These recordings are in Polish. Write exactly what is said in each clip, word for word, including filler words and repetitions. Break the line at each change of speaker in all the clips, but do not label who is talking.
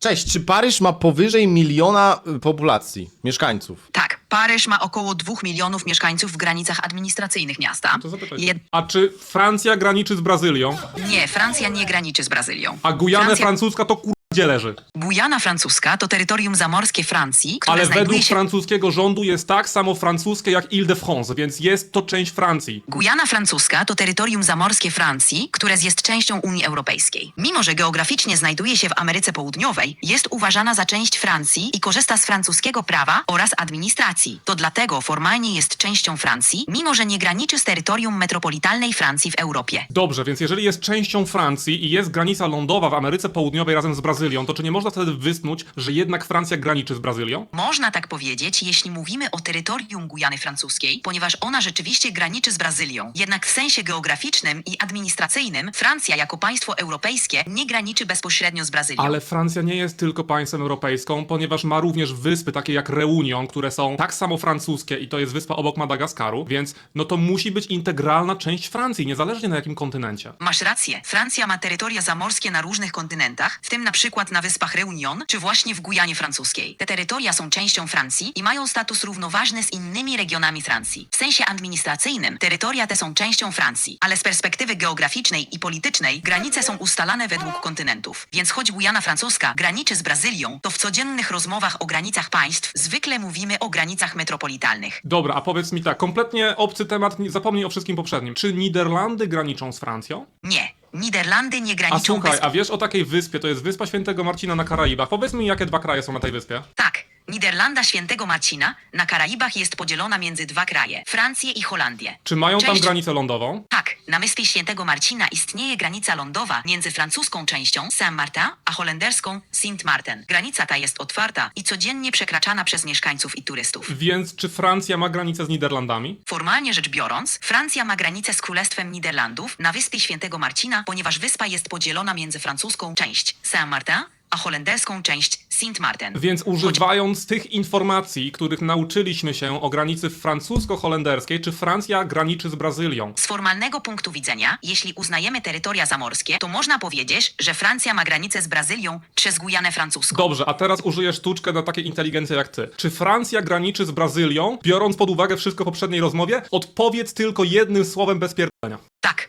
Cześć, czy Paryż ma powyżej miliona y, populacji, mieszkańców?
Tak, Paryż ma około dwóch milionów mieszkańców w granicach administracyjnych miasta.
To zapytaj.
Jed...
A czy Francja graniczy z Brazylią?
Nie, Francja nie graniczy z Brazylią.
A Gujana
Francja...
francuska to kur... gdzie leży?
Gujana francuska to terytorium zamorskie Francji, które
Ale
znajduje
według
się...
francuskiego rządu jest tak samo francuskie jak Ile-de-France, więc jest to część Francji.
Gujana francuska to terytorium zamorskie Francji, które jest częścią Unii Europejskiej. Mimo że geograficznie znajduje się w Ameryce Południowej, jest uważana za część Francji i korzysta z francuskiego prawa oraz administracji. To dlatego formalnie jest częścią Francji, mimo że nie graniczy z terytorium metropolitalnej Francji w Europie.
Dobrze, więc jeżeli jest częścią Francji i jest granica lądowa w Ameryce Południowej razem z Brazylią, to czy nie można wtedy wysnuć, że jednak Francja graniczy z Brazylią?
Można tak powiedzieć, jeśli mówimy o terytorium Gujany francuskiej, ponieważ ona rzeczywiście graniczy z Brazylią. Jednak w sensie geograficznym i administracyjnym Francja jako państwo europejskie nie graniczy bezpośrednio z Brazylią.
Ale Francja nie jest tylko państwem europejską, ponieważ ma również wyspy takie jak Reunion, które są tak samo francuskie i to jest wyspa obok Madagaskaru, więc no to musi być integralna część Francji, niezależnie na jakim kontynencie.
Masz rację, Francja ma terytoria zamorskie na różnych kontynentach, w tym na przykład na wyspach Reunion, czy właśnie w Gujanie francuskiej. Te terytoria są częścią Francji i mają status równoważny z innymi regionami Francji. W sensie administracyjnym terytoria te są częścią Francji, ale z perspektywy geograficznej i politycznej granice są ustalane według kontynentów. Więc choć Gujana francuska graniczy z Brazylią, to w codziennych rozmowach o granicach państw zwykle mówimy o granicach metropolitalnych.
Dobra, a powiedz mi tak, kompletnie obcy temat, nie- zapomnij o wszystkim poprzednim. Czy Niderlandy graniczą z Francją?
Nie, Niderlandy nie
A
graniczą
słuchaj,
bez...
a wiesz o takiej wyspie, to jest Wyspa Świętego Marcina na Karaibach. Powiedz mi, jakie dwa kraje są na tej wyspie?
Tak, Niderlanda Świętego Marcina na Karaibach jest podzielona między dwa kraje, Francję i Holandię.
Czy mają tam
Część-
granicę lądową?
Tak, na wyspie Świętego Marcina istnieje granica lądowa między francuską częścią Saint-Martin a holenderską Sint-Maarten. Granica ta jest otwarta i codziennie przekraczana przez mieszkańców i turystów.
Więc czy Francja ma granicę z Niderlandami?
Formalnie rzecz biorąc, Francja ma granicę z Królestwem Niderlandów na wyspie Świętego Marcina, ponieważ wyspa jest podzielona między francuską część Saint-Martin a holenderską część Sint-Maarten.
Więc używając tych informacji, których nauczyliśmy się o granicy francusko-holenderskiej, czy Francja graniczy z Brazylią?
Z formalnego punktu widzenia, jeśli uznajemy terytoria zamorskie, to można powiedzieć, że Francja ma granicę z Brazylią przez Gujanę francuską.
Dobrze, a teraz użyję sztuczkę na takiej inteligencji jak ty. Czy Francja graniczy z Brazylią? Biorąc pod uwagę wszystko w poprzedniej rozmowie, odpowiedz tylko jednym słowem bez pierdolenia.
Tak.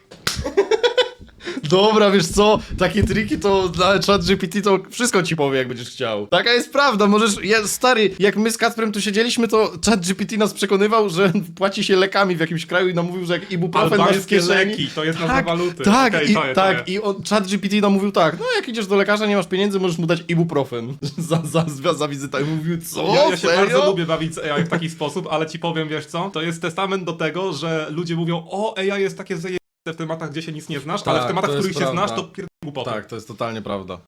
Dobra, wiesz co, takie triki to dla ChatGPT to wszystko ci powie, jak będziesz chciał. Taka jest prawda, możesz, ja, stary, jak my z Kacprem tu siedzieliśmy, to ChatGPT nas przekonywał, że płaci się lekami w jakimś kraju i nam mówił, że jak ibuprofen masz w
Albańskie
kieszeni...
leki, to jest nazwa
Tak,
waluty.
tak,
Okej,
i,
to je, to
tak,
je.
i on, ChatGPT nam mówił tak, no jak idziesz do lekarza, nie masz pieniędzy, możesz mu dać ibuprofen za, za, za, za wizytę. I mówił, co,
Ja, ja się
serio?
bardzo lubię bawić z A I w taki sposób, ale ci powiem, wiesz co? To jest testament do tego, że ludzie mówią, o, A I jest takie zajebiste w tematach, gdzie się nic nie znasz, ale w
Tak,
tematach,
to
w
jest
których się
prawda.
znasz, to pierdolę głupoty.
Tak, to jest totalnie prawda.